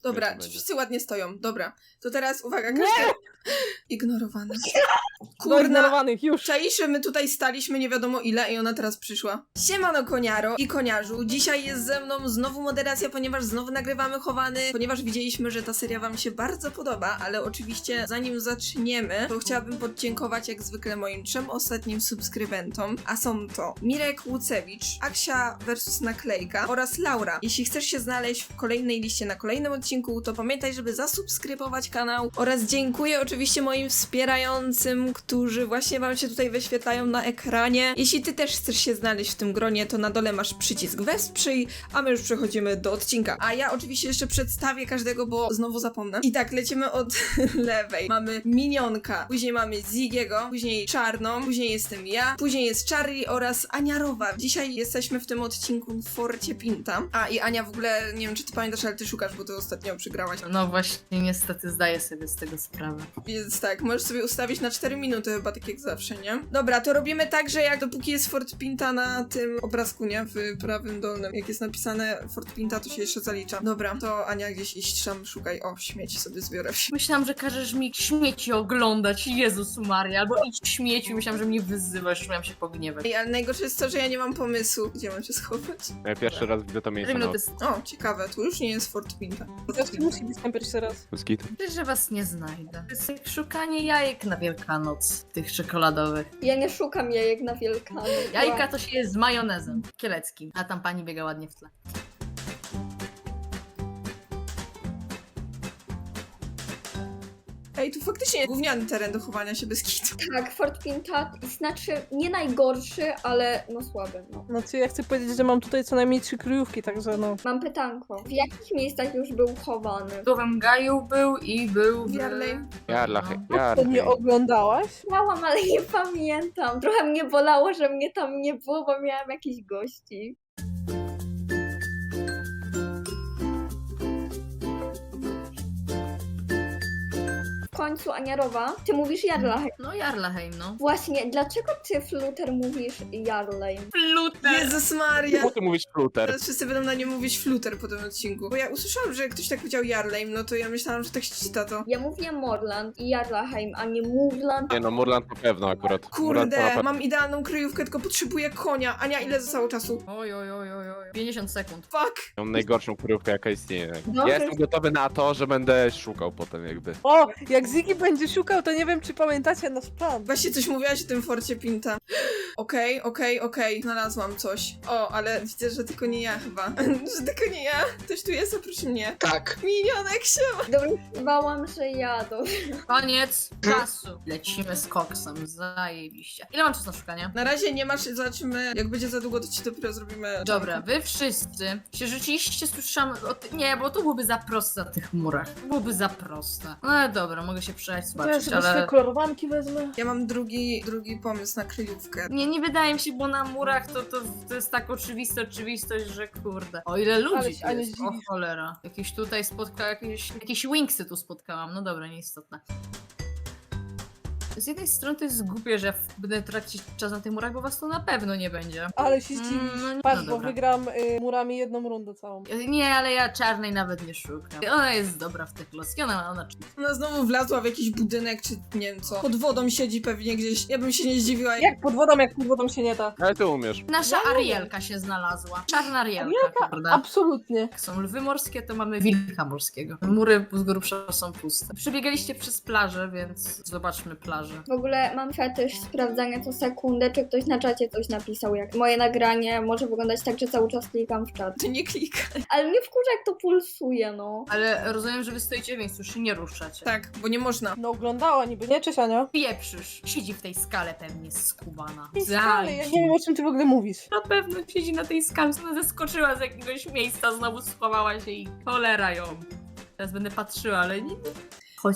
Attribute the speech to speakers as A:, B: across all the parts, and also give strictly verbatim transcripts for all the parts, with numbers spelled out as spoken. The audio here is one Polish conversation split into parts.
A: Dobra, czy wszyscy ładnie stoją? Dobra. To teraz uwaga, każdy... Ignorowany.
B: Do ignorowanych, już.
A: Czaisze, my tutaj staliśmy nie wiadomo ile i ona teraz przyszła. Siemano koniaro i koniarzu. Dzisiaj jest ze mną znowu moderacja, ponieważ znowu nagrywamy chowany, ponieważ widzieliśmy, że ta seria wam się bardzo podoba, ale oczywiście zanim zaczniemy, to chciałabym podziękować jak zwykle moim trzem ostatnim subskrybentom, a są to Mirek Łucewicz, Aksia versus Naklejka oraz Laura. Jeśli chcesz się znaleźć w kolejnej liście na kolejnym odcinku, to pamiętaj, żeby zasubskrybować kanał oraz dziękuję oczywiście moim wspierającym, którzy właśnie wam się tutaj wyświetlają na ekranie. Jeśli ty też chcesz się znaleźć w tym gronie, to na dole masz przycisk wesprzyj, a my już przechodzimy do odcinka. A ja oczywiście jeszcze przedstawię każdego, bo znowu zapomnę. I tak, lecimy od lewej. Mamy Minionka, później mamy Zigiego, później Czarną, później jestem ja, później jest Charlie oraz Aniarowa. Dzisiaj jesteśmy w tym odcinku w Forcie Pinta. A i Ania w ogóle, nie wiem czy ty pamiętasz, ale ty szukasz, bo ty ostatnio przegrałaś.
C: No właśnie, niestety zdaję sobie z tego sprawę.
A: Więc tak, możesz sobie ustawić na cztery minuty chyba, tak jak zawsze, nie? Dobra, to robimy tak, że jak dopóki jest Fort Pinta na tym obrazku, nie? W prawym dolnym. Jak jest napisane Fort Pinta, to się jeszcze zalicza. Dobra, to Ania gdzieś iść tam, szukaj. O, śmieci sobie zbiorę.
C: Myślałam, że każesz mi śmieci oglądać, Jezus Maria, albo idź w śmieci, myślałam, że mnie wyzywasz, miałam się pogniewać.
A: Ej, ale najgorsze jest to, że ja nie mam pomysłu, gdzie mam się schować.
D: Ja pierwszy raz widzę to miejsce
C: cztery
D: na
C: minuty.
A: O, ciekawe, tu już nie jest Fort Pinta.
B: Zawsze musi być tam pierwszy raz.
D: Skit.
C: Myślę, że was nie znajdę. To jest jak szukanie jajek na Wielkanoc, tych czekoladowych.
E: Ja nie szukam jajek na Wielkanoc.
C: Jajka to się je z majonezem kieleckim, a tam pani biega ładnie w tle.
A: Ej, tu faktycznie gówniany teren do chowania się bez kitu.
E: Tak, Fort Pinta znaczy nie najgorszy, ale no słaby, no.
B: Znaczy ja chcę powiedzieć, że mam tutaj co najmniej trzy kryjówki, także no.
E: Mam pytanko. W jakich miejscach już był chowany?
C: W Nowym Gaju był i był w...
A: Jarlej.
D: Jarlach,
C: No.
B: To nie
D: jarlach.
B: oglądałaś?
E: Miałam, ale nie pamiętam. Trochę mnie bolało, że mnie tam nie było, bo miałam jakichś gości. W końcu Aniarowa, ty mówisz Jarlaheim.
C: No Jarlaheim, no.
E: Właśnie, dlaczego ty, Fluter, mówisz Jarlheim?
C: Fluter!
A: Jezus Maria!
D: Czemu ty mówisz fluter?
A: Teraz wszyscy będą na nie mówić fluter po tym odcinku. Bo ja usłyszałam, że ktoś tak powiedział Jarlejm, no to ja myślałam, że tak się czyta to.
E: Ja mówię Morland i Jarlaheim, a nie Moveland.
D: Nie no, Murland na pewno akurat. Murland to na
A: Kurde,
D: pewno.
A: mam idealną kryjówkę, tylko potrzebuję konia. Ania, ile zostało czasu?
C: Oj, oj, oj, oj, oj. pięćdziesiąt sekund.
A: Fuck!
D: Mam najgorszą kryjówkę jaka istnieje.
E: Dobrze.
D: Ja jestem gotowy na to, że będę szukał potem jakby.
B: O, jak Ziggy będzie szukał, to nie wiem, czy pamiętacie nasz plan.
A: Właśnie coś mówiłaś o tym Forcie Pinta. Okej, okej, okej, znalazłam coś. O, ale widzę, że tylko nie ja chyba. Że tylko nie ja. Ktoś tu jest oprócz mnie.
F: Tak.
A: Minionek się.
E: Dorywałam, że jadą.
C: Koniec czasu. Lecimy z koksem, zajebiście. Ile mam czasu na szukanie?
A: Na razie nie masz, zobaczymy. Jak będzie za długo, to ci dopiero zrobimy.
C: Dobra, wy wszyscy się rzeczywiście słyszałam o ty... Nie, bo to byłoby za proste na tych murach. Byłoby za proste. No ale dobra, mogę się przejść,
B: To ja
C: zobaczyć,
B: sobie swoje
C: ale...
B: kolorowanki wezmę.
A: Ja mam drugi, drugi pomysł na kryjówkę.
C: Nie, nie wydaje mi się, bo na murach to, to, to jest tak oczywista oczywistość, że kurde. O ile ludzi
B: Ale
C: tu
B: się, Ania,
C: jest, o
B: zdziwisz.
C: cholera. Jakieś tutaj spotkałam, jakieś, jakieś wingsy tu spotkałam. No dobra, nieistotne. Z jednej strony to jest głupie, że będę tracić czas na tych murach, bo was tu na pewno nie będzie.
B: Ale się
C: Mm,
B: zdziwisz.
C: no nie-
B: Patrz,
C: no
B: bo
C: dobra.
B: wygram y, murami jedną rundę całą.
C: Nie, ale ja czarnej nawet nie szukam. Ona jest dobra w tych loski, ona, ona
A: Ona znowu wlazła w jakiś budynek, czy nie wiem co. Pod wodą siedzi pewnie gdzieś. Ja bym się nie zdziwiła.
B: Jak pod wodą, jak pod wodą się nie da.
D: Ale ty umiesz.
C: Nasza
B: Ja nie
C: Arielka się znalazła. Czarna Arielka, prawda?
B: Absolutnie.
C: Jak są lwy morskie, to mamy wilka morskiego. Mury z grubsza są puste. Przebiegaliście przez plażę, więc zobaczmy plażę.
E: W ogóle mam fetysz sprawdzania co sekundę, czy ktoś na czacie coś napisał. Jak moje nagranie może wyglądać tak, że cały czas klikam w czat.
A: Ty nie klikaj.
E: Ale mnie wkurza, jak to pulsuje, no.
C: Ale rozumiem, że wy stoicie w miejscu, się nie ruszacie.
A: Tak, bo nie można.
B: No oglądała niby, nie? Cześć Ania?
C: Pieprzysz. Siedzi w tej skale pewnie skubana.
B: Tej skale, ja nie wiem, o czym ty w ogóle mówisz.
C: Na pewno siedzi na tej skale, ona zeskoczyła z jakiegoś miejsca, znowu schowała się i cholera ją. Teraz będę patrzyła, ale nie... Chociaż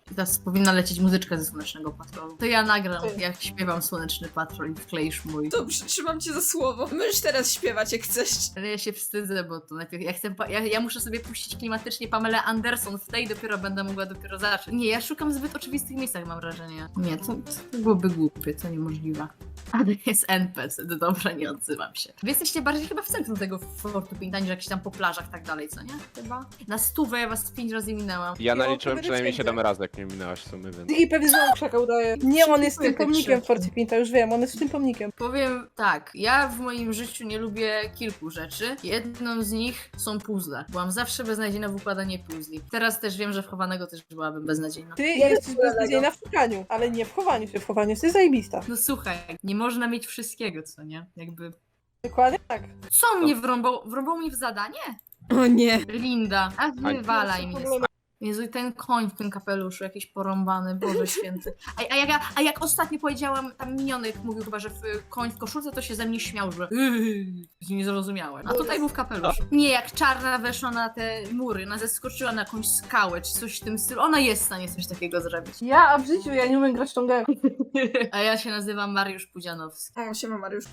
C: Teraz powinna lecieć muzyczka ze Słonecznego Patrolu. To ja nagram,
B: Ty.
C: jak śpiewam Słoneczny Patrol i wkleisz mój.
A: Dobrze, trzymam cię za słowo. Możesz teraz śpiewać, jak chcesz.
C: Ale ja się wstydzę, bo to najpierw ja chcę, pa- ja, ja muszę sobie puścić klimatycznie Pamelę Anderson w tej i dopiero będę mogła dopiero zacząć. Nie, ja szukam w zbyt oczywistych miejscach, mam wrażenie. Nie, to, to byłoby głupie, to niemożliwe. Ale jest N P C, dobra, nie odzywam się. Wy jesteście bardziej chyba w centrum tego Fortu Pinta, niż jakieś tam po plażach i tak dalej, co nie? Chyba? Na stówę ja was pięć razy minęłam.
D: Ja
B: No,
D: naliczyłem
B: to
D: przynajmniej
B: będzie
D: siedem razy, jak nie minęłaś w sumie, więc...
B: I pewnie znowu krzaka udaje. Nie, on jest tym
C: Dziękuję,
B: pomnikiem w
C: Krzysiu.
B: Forcie Pinta, już wiem, on jest tym pomnikiem.
C: Powiem tak, ja w moim życiu nie lubię kilku rzeczy. Jedną z nich są puzzle. Byłam zawsze beznadziejna w układaniu puzli. Teraz też wiem, że w chowanego też byłabym beznadziejna.
B: Ty
E: Ja
B: jesteś
E: nie lubię
B: beznadziejna w szukaniu, ale nie w chowaniu się. W chowaniu jesteś zajebista.
C: No słuchaj, nie można mieć wszystkiego, co nie? Jakby...
B: Dokładnie tak.
C: Co mnie wrąbał? Wrąbał mnie w zadanie?
A: O nie.
C: Linda, a wywalaj
B: Ani-
C: mnie. Jezu, i ten koń w tym kapeluszu, jakiś porąbany, Boże Święty. A, a, jak, a jak ostatnio powiedziałam, tam minionek mówił chyba, że w, koń w koszulce, to się ze mnie śmiał, że yy, nie zrozumiałem. A tutaj był w kapeluszu. Nie, jak czarna weszła na te mury, ona zeskoczyła na jakąś skałę, czy coś w tym stylu, ona jest w stanie coś takiego zrobić.
B: Ja, a w życiu ja nie umiem grać tą grę.
C: A ja się nazywam Mariusz Pudzianowski.
A: O, siema Mariusz.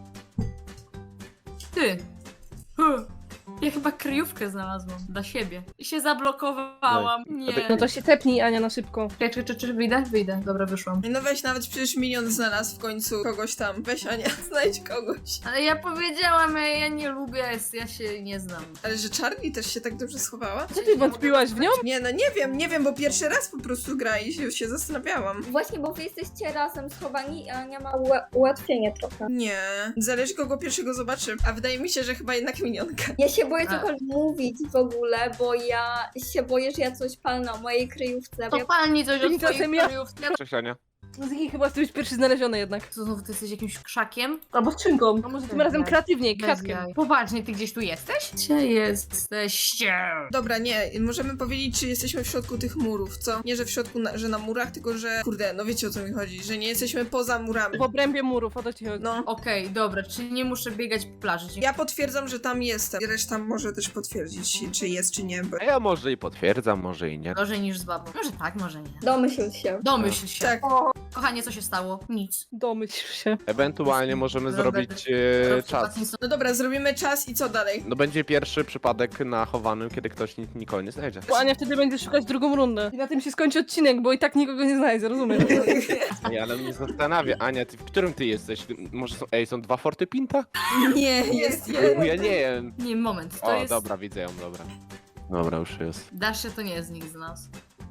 C: Ty! Huh. Ja chyba kryjówkę znalazłam dla siebie. I się zablokowałam. Nie.
B: No to się tepnij, Ania, na szybko.
C: Czekaj, czy, czy, czy wyjdę? Wyjdę. Dobra, wyszłam.
A: No weź, nawet przecież minion znalazł w końcu kogoś tam. Weź Ania, znajdź kogoś.
C: Ale ja powiedziałam, ja, ja nie lubię, ja się nie znam.
A: Ale że Charlie też się tak dobrze schowała?
B: Co ty wątpiłaś w nią?
A: Nie, no nie wiem, nie wiem, bo pierwszy raz po prostu gra i się, się zastanawiałam.
E: Właśnie, bo wy jesteście razem schowani, a Ania ma ua- ułatwienie trochę.
A: Nie, zależy kogo pierwszego zobaczy. A wydaje mi się, że chyba jednak minionka.
E: Ja się boję
C: A.
E: cokolwiek mówić w ogóle, bo ja się boję, że ja coś palnę o mojej kryjówce.
C: To
E: Ja...
C: palni coś od
B: Tymczasem
C: twojej
B: ja-
C: kryjówki.
D: Cześć, Ania.
B: No Ziggy, chyba ty być pierwszy znaleziony jednak.
C: Co znowu, ty jesteś jakimś krzakiem?
B: Albo skrzynką. A może tym razem kreatywniej,
C: Bez
B: kwiatkiem.
C: jaj. Poważnie, ty gdzieś tu jesteś? Gdzie jesteście?
A: Dobra, nie, możemy powiedzieć, czy jesteśmy w środku tych murów, co? Nie, że w środku, na, że na murach, tylko że, kurde, no wiecie o co mi chodzi, że nie jesteśmy poza murami.
B: W obrębie murów, o to ci chodzi.
A: No.
C: Okej, dobra, czyli nie muszę biegać po plaży. Dziękuję.
A: Ja potwierdzam, że tam jestem. Reszta może też potwierdzić, czy jest, czy nie. Bo...
D: A ja może i potwierdzam, może i nie.
C: Gorzej niż z babą. Może tak, może nie.
E: Domyśl się.
C: Domyśl się.
A: Tak.
C: Kochanie, co się stało? Nic.
B: Domyśl się.
D: Ewentualnie możemy
C: Robert,
D: zrobić e, czas.
A: No dobra, zrobimy czas i co dalej?
D: No będzie pierwszy przypadek na chowanym, kiedy ktoś ni- nikogo nie znajdzie.
B: Bo Ania wtedy będzie szukać drugą rundę. I na tym się skończy odcinek, bo i tak nikogo nie znajdzie, rozumiesz?
D: Nie, ale mnie zastanawia, Ania, ty, w którym ty jesteś? Ty- Może są, ej, są dwa Forty Pinta?
A: Nie, jest
D: Bo
A: jeden.
D: ja nie wiem.
C: Nie, moment, to
D: O,
C: jest...
D: dobra, widzę ją, dobra. Dobra, już jest.
C: Dasze to nie jest nikt z nas.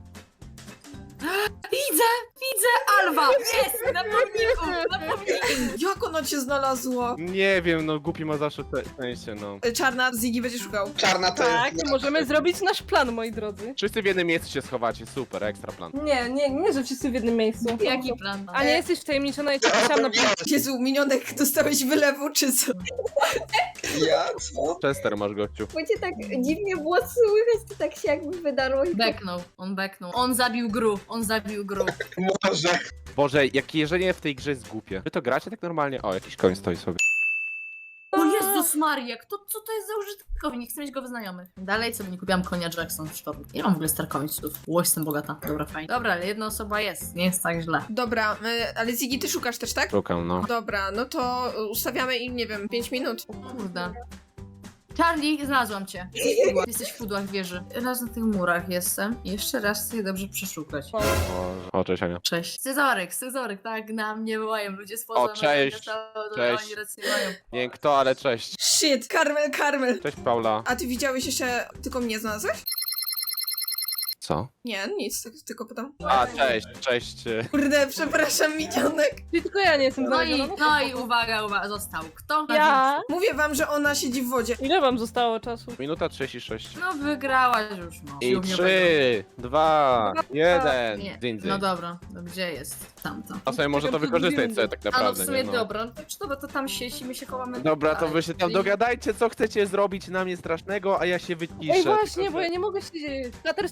C: Widzę! Widzę! Alwa! Jest! Na pomniku! Na pomniku!
A: Jak ono cię znalazło?
D: Nie wiem, no głupi ma zawsze te szczęście, no.
A: Czarna, Ziggy będzie szukał.
F: Czarna to
B: Tak,
F: jest...
B: możemy zrobić nasz plan, moi drodzy.
D: Wszyscy w jednym miejscu się schowacie, super, ekstra plan.
B: Nie, nie, nie, że wszyscy w jednym miejscu.
C: Jaki plan?
B: Ania, jesteś wtajemniczona, ja cię chciałam na
A: Jezu, minionek, dostałeś wylewu, czy co?
F: Ja? Co?
D: Chester masz, gościu.
E: Bo cię tak dziwnie było słychać, to tak się jakby wydarło i
C: Beknął, on beknął. On zabił gru, on zabił gru.
F: Może.
D: Boże, jak jeżdżenie w tej grze jest głupie. Wy to gracie tak normalnie? O, jakiś koń stoi sobie.
C: O Jezus Maria, kto, co to jest za użytkownik? Chcę mieć go w znajomych. Dalej co nie kupiłam konia Jackson w sztorm. Ja mam w ogóle star końców. Ło, jestem bogata. Dobra, fajnie. Dobra, ale jedna osoba jest, nie jest tak źle.
A: Dobra, y, ale Ziggy, ty szukasz też, tak?
D: Szukam, no.
A: Dobra, no to ustawiamy im, nie wiem, pięć minut.
C: O kurde. Charlie, znalazłam cię. Jesteś w pudłach, jesteś w pudłach wieży. Raz na tych murach jestem. Jeszcze raz chcę je dobrze przeszukać.
D: O, o cześć, Ania.
C: Cześć. Scyzoryk, scyzoryk, tak, na mnie wołają ludzie spoza.
D: O, cześć,
C: no,
D: cześć.
C: Oni rację mają.
D: Nie wiem kto, ale cześć.
A: Shit, Karmel, Karmel.
D: Cześć, Paula.
A: A ty widziałeś jeszcze, tylko mnie znalazłeś?
D: Co?
A: Nie, nic, tak, tylko pytam.
D: A, cześć, cześć.
A: Kurde, przepraszam, minionek.
B: Czyli tylko ja nie jestem
C: No i,
B: znaleziona.
C: no i uwaga, uwaga, został kto?
B: Ja?
A: Mówię wam, że ona siedzi w wodzie.
B: Ile wam zostało czasu?
D: Minuta trzydzieści sześć.
C: No wygrałaś już, no.
D: I
C: Siłowniowego.
D: trzy, dwa, jeden.
C: Nie.
D: Dzień, dzień.
C: No dobra, no gdzie jest tamto?
D: A sobie może to wykorzystać sobie tak
C: A no w
D: naprawdę,
C: sumie
D: nie no.
C: dobra, to czy dobra, to tam sieci, my się chowamy.
D: Dobra, to
C: dalej.
D: wy się tam
C: I-
D: dogadajcie, co chcecie zrobić na mnie strasznego, a ja się wyciszę.
B: Ej, właśnie,
D: tylko
B: bo
D: że-
B: ja nie mogę siedzieć. Flater, stój, Flater,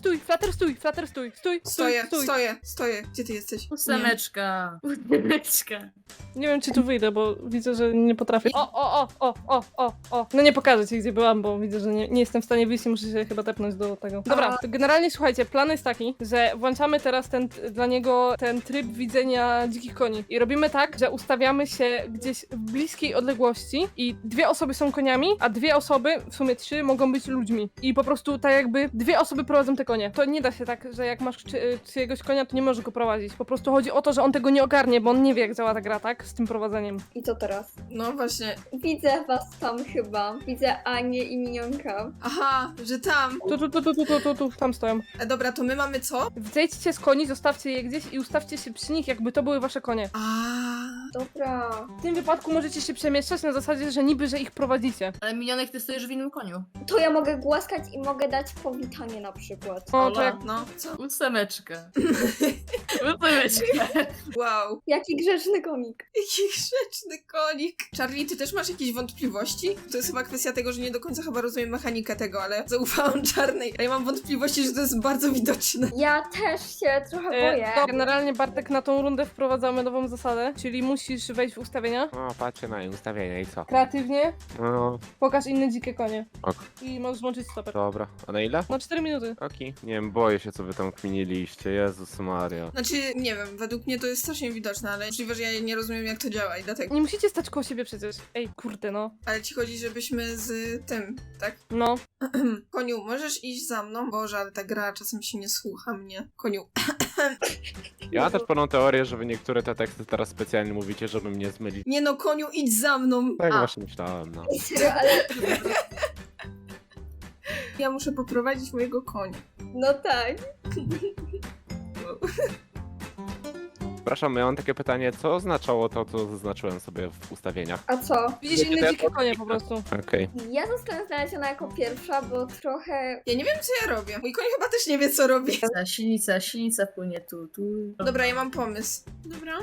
B: Flatter, stój, Flatter, stój, stój, stój,
A: Stoję,
B: stój.
A: stoję, stoję. Gdzie ty jesteś? Nie.
C: Ósemeczka. Ósemeczka.
B: Nie wiem, czy tu wyjdę, bo widzę, że nie potrafię. O, o, o, o, o, o, o. No nie pokażę ci, gdzie byłam, bo widzę, że nie, nie jestem w stanie wyjść i muszę się chyba tepnąć do tego. Dobra, to generalnie słuchajcie, plan jest taki, że włączamy teraz ten, dla niego ten tryb widzenia dzikich koni. I robimy tak, że ustawiamy się gdzieś w bliskiej odległości i dwie osoby są koniami, a dwie osoby, w sumie trzy, mogą być ludźmi. I po prostu tak jakby dwie osoby prowadzą te konie. To nie da się tak, że jak masz czy, czyjegoś konia, to nie możesz go prowadzić. Po prostu chodzi o to, że on tego nie ogarnie, bo on nie wie, jak działa ta gra, tak? Z tym prowadzeniem.
E: I co teraz?
A: No właśnie.
E: Widzę was tam chyba. Widzę Anię i Minionka.
A: Aha, że tam.
B: Tu, tu, tu, tu, tu, tu, tu, tu, tam stoją.
A: E, dobra, to my mamy co?
B: Zejdźcie z koni, zostawcie je gdzieś i ustawcie się przy nich, jakby to były wasze konie.
A: A.
E: Dobra.
B: W tym wypadku możecie się przemieszczać na zasadzie, że niby, że ich prowadzicie.
C: Ale minionek, ty stoisz w innym koniu.
E: To ja mogę głaskać i mogę dać powitanie na przykład.
B: O, to jak...
A: No, co?
C: Ósemeczka. Ósemeczka.
A: Wow.
E: Jaki grzeczny komik.
A: Jaki grzeczny konik. Charlie, ty też masz jakieś wątpliwości? To jest chyba kwestia tego, że nie do końca chyba rozumiem mechanikę tego, ale zaufałam Czarnej. A ja mam wątpliwości, że to jest bardzo widoczne.
E: Ja też się trochę boję.
B: E, to generalnie, Bartek, na tą rundę wprowadzamy nową zasadę, czyli musisz wejść w ustawienia.
D: O, patrzcie na ustawienia i co?
B: Kreatywnie,
D: No,
B: pokaż inne dzikie konie.
D: ok,
B: I możesz włączyć stoper.
D: dobra. A na ile?
B: Na cztery minuty.
D: Oki. Nie wiem, boję się, co wy tam kminiliście. Jezus Maria.
A: Znaczy, nie wiem, według mnie to jest strasznie widoczne, ale możliwe, że ja nie rozumiem, jak to działa i dlatego.
B: Nie musicie stać koło siebie przecież. Ej, kurde, no.
A: Ale ci chodzi, żebyśmy z tym, tak?
B: No.
A: Koniu, możesz iść za mną? Boże, ale ta gra czasem się nie słucha mnie. Koniu.
D: Ja mam też pewną teorię, że wy niektóre te teksty teraz specjalnie mówicie, żeby mnie zmylić.
A: Nie no, koniu, idź za mną.
D: Tak
C: A.
D: właśnie myślałem, no.
E: Serio, ale
A: Ja muszę poprowadzić mojego konia.
E: no tak.
D: Przepraszam, ja mam takie pytanie, co oznaczało to, co zaznaczyłem sobie w ustawieniach?
E: A co?
B: Widzisz
D: Wiecie, to
B: inne
D: ja
B: dzikie konie po prostu.
D: Okej.
E: Ja zostałem znaleziona jako pierwsza, bo trochę...
A: Ja nie wiem, co ja robię. Mój koń chyba też nie wie, co robi.
C: Ta silnica, silnica płynie tu, tu.
A: Dobra, ja mam pomysł. Dobra.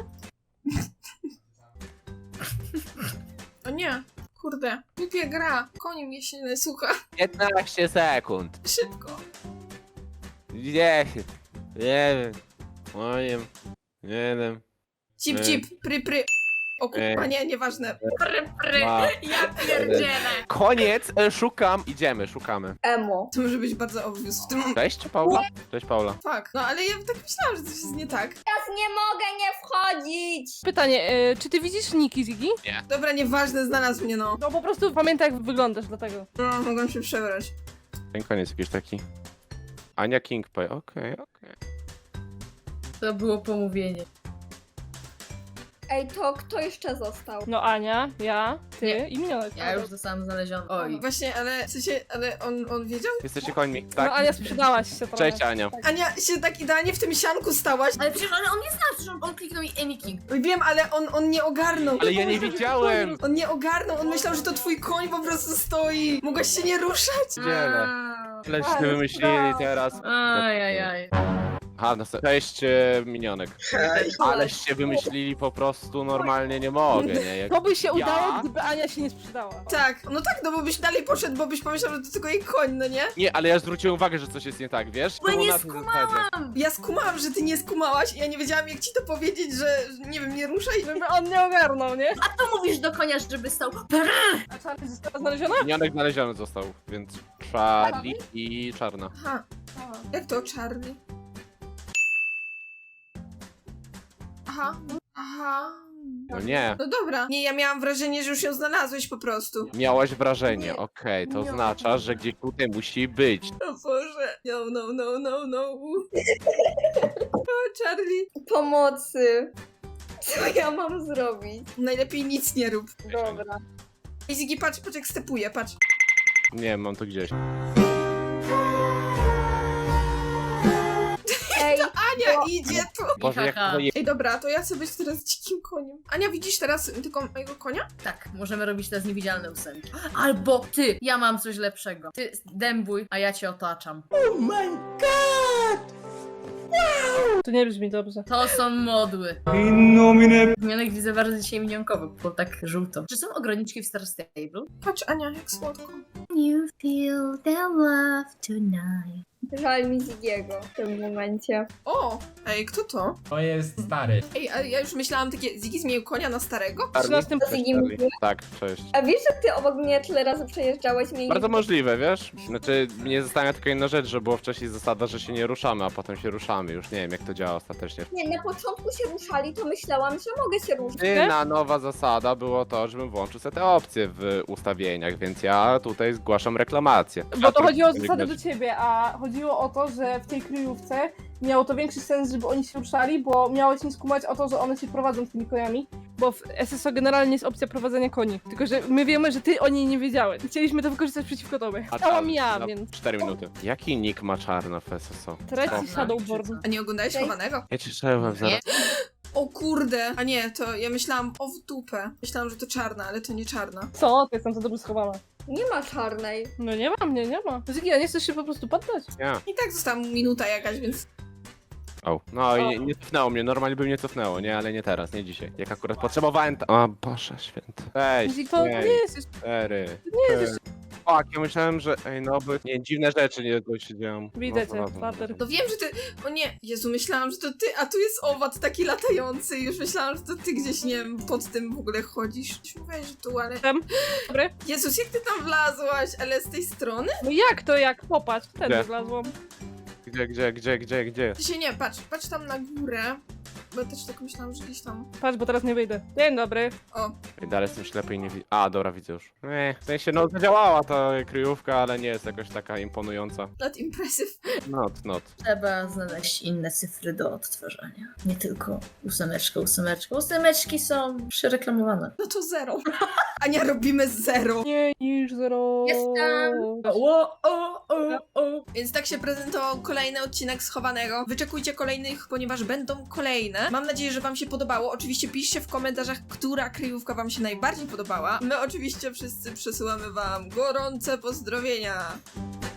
A: O nie. Kurde. Głupia gra. Koni mnie się nie słucha.
D: piętnaście sekund.
A: Szybko.
D: dziesięć. Nie wiem. Osiem. jeden.
A: Cip,
D: Ej.
A: cip, pry, pry. O kurwa,
D: Ej.
A: nie, nieważne.
C: Pry, pry.
D: Dwa.
C: Ja pierdzielę.
D: Koniec, e, szukam. Idziemy, szukamy.
E: Emo.
A: To może być bardzo obvious w tym momencie.
D: Cześć, Paula? Cześć, Paula.
A: Fuck. No ale ja tak myślałam, że coś jest nie tak.
E: Teraz nie mogę nie wchodzić!
B: Pytanie, e, czy ty widzisz Niki, Ziggy?
A: Dobra, nieważne, znalazł mnie, no.
B: No po prostu pamiętaj, jak wyglądasz, dlatego.
A: No, mogłam się przebrać.
D: Ten koniec jakiś taki. Ania Kingpay, okej, okej.
C: To było pomówienie.
E: Ej, to kto jeszcze został?
B: No Ania, ja, ty
C: Nie.
B: i minionek.
C: Ja już zostałam znaleziona. Oj.
A: Właśnie, ale w sensie, ale on, on wiedział?
D: Jesteście końmi,
B: No
D: tak?
B: Ania, sprzedałaś się trochę.
D: Cześć, Ania.
A: Ania się tak idealnie w tym sianku stałaś.
C: Ale przecież ale on nie zna, przecież on, on kliknął i Amy King.
A: Wiem, ale on, on nie ogarnął.
D: Ale ja nie widziałem!
A: On nie ogarnął, on myślał, że to twój koń po prostu stoi. Mogłaś się nie ruszać.
D: Dzielę. Leście
E: Ale
D: wymyślili teraz.
C: Ajajaj.
D: Aha, no se- cześć, e, minionek.
F: Hej,
D: Aleście wymyślili po prostu normalnie, nie mogę, nie? Jak...
B: To by się udało,
D: Ja?
B: gdyby Ania się nie sprzedała.
A: Tak, no tak, no bo byś dalej poszedł, bo byś pomyślał, że to tylko jej koń, no nie?
D: Nie, ale ja zwróciłem uwagę, że coś jest nie tak, wiesz?
C: Bo ja
D: To
C: nie
D: na tym zasadzie.
A: Ja skumałam, że ty nie skumałaś i ja nie wiedziałam, jak ci to powiedzieć, że, że nie wiem, nie ruszaj.
B: Żeby on nie ogarnął, nie?
C: A to mówisz do konia, żeby stał.
B: A Charlie została znaleziona?
D: Minionek znaleziony został, więc Charlie i Czarna.
A: Aha, jak to, Charlie? Aha, aha.
D: No nie.
A: No dobra. Nie, ja miałam wrażenie, że już ją znalazłeś po prostu.
D: Miałaś wrażenie,
A: Nie.
D: okej, to
A: Nie.
D: oznacza, że gdzieś tutaj musi być.
A: O Boże. No, no, no, no, no. O, Charlie.
E: Pomocy. Co ja mam zrobić?
A: Najlepiej nic nie rób.
E: Dobra.
A: I Ziggy, patrz, patrz jak stepuje, patrz.
D: Nie, mam to gdzieś.
E: Ej,
A: Ania
E: O.
A: idzie tu.
D: Boże, jak
C: Haha.
D: to je...
A: Ej, dobra, to ja sobie być teraz dzikim koniem. Ania, widzisz teraz tylko mojego konia?
C: Tak, możemy robić teraz niewidzialne ósemki. Albo ty, ja mam coś lepszego. Ty dębuj, a ja cię otaczam.
B: To nie brzmi dobrze.
C: To są modły. Minionek widzę bardzo dzisiaj minionkowo, bo tak żółto. Czy są ograniczki w Star Stable?
A: Patrz, Ania, jak słodko.
C: You feel the love tonight.
E: Żal mi Zigiego w tym momencie.
A: O, ej, kto to?
G: To jest stary.
A: Ej, a ja już myślałam takie, Ziggy zmienił konia na starego?
B: trzynastym
E: To Ziggy mówił.
D: Tak, cześć.
E: A wiesz, że ty obok mnie tyle razy przejeżdżałeś mnie
D: Bardzo
E: nie...
D: możliwe, wiesz? Znaczy, mnie zastanawia tylko jedna rzecz, że było wcześniej zasada, że się nie ruszamy, a potem się ruszamy. Już nie wiem, jak to działa ostatecznie.
E: Nie, na początku się ruszali, to myślałam, że mogę się ruszyć.
D: Jedyna nowa zasada było to, żebym włączył sobie te opcje w ustawieniach, więc ja tutaj zgłaszam reklamację.
B: Bo to chodziło o zasady do ciebie, a chodziło o to, że w tej kryjówce miało to większy sens, żeby oni się ruszali, bo miałeś nie skumać o to, że one się prowadzą z tymi koniami, bo w S S O generalnie jest opcja prowadzenia koni. Tylko, że my wiemy, że ty o niej nie wiedziałeś. Chcieliśmy to wykorzystać przeciwko tobie. Stałam ja,
D: na
B: więc...
D: cztery minuty. Jaki nick ma czarna w S S O?
B: Traci
D: O.
B: Shadowborn.
A: A nie oglądałeś
E: Ej.
A: chowanego?
D: Ja ci strzelałem zaraz.
A: O kurde! A nie, to ja myślałam, o w dupę. Myślałam, że to czarna, ale to nie czarna.
B: Co? Ty jestem za dobrze schowana.
E: Nie ma czarnej.
B: No nie ma mnie, nie ma. Ziggy, a nie chcesz się po prostu poddać?
D: Ja.
A: I tak została mu minuta jakaś, więc...
D: O. No i nie, nie cofnęło mnie, normalnie by mnie cofnęło, nie? Ale nie teraz, nie dzisiaj. Jak akurat potrzebowałem ta... O Boże święty. Ej,
B: Ziggy, to nie jest jeszcze...
D: cztery.
B: Nie jest jeszcze...
D: Tak, ja myślałem, że... Ej, no bo... Nie, dziwne rzeczy nie to się dzieją.
B: Widzę
D: No,
B: cię,
D: no, no,
B: Water.
D: no.
A: To wiem, że ty... O nie! Jezu, myślałam, że to ty, a tu jest owad taki latający. Już myślałam, że to ty gdzieś, nie wiem, pod tym w ogóle chodzisz. Już mówiłaś, że tu, ale...
B: Tam. Dobry.
A: Jezus, jak ty tam wlazłaś? Ale z tej strony?
B: No jak to jak? Popatrz, wtedy
D: Gdzie?
B: wlazłam.
D: Gdzie, gdzie, gdzie, gdzie, gdzie?
A: Ty się nie, patrz, patrz tam na górę. Bo ja też tak myślałam, że gdzieś tam...
B: Patrz, bo teraz nie wyjdę. Dzień dobry.
A: O,
D: Ej, dalej jestem ślepy i nie widzę. A, dobra, widzę już. Ej, w sensie, no zadziałała ta kryjówka, ale nie jest jakoś taka imponująca.
A: not impressive.
D: Not, not.
C: Trzeba znaleźć inne cyfry do odtwarzania. Nie tylko ósemeczka, ósemeczka. Ósemeczki są przereklamowane.
A: No to zero. Ania, robimy zero.
B: Nie niż zero.
C: Jestem! O, o, o, o.
A: Więc tak się prezentował kolejny odcinek Schowanego. Wyczekujcie kolejnych, ponieważ będą kolejne. Mam nadzieję, że wam się podobało. Oczywiście piszcie w komentarzach, która kryjówka wam się najbardziej podobała. My oczywiście wszyscy przesyłamy wam gorące pozdrowienia.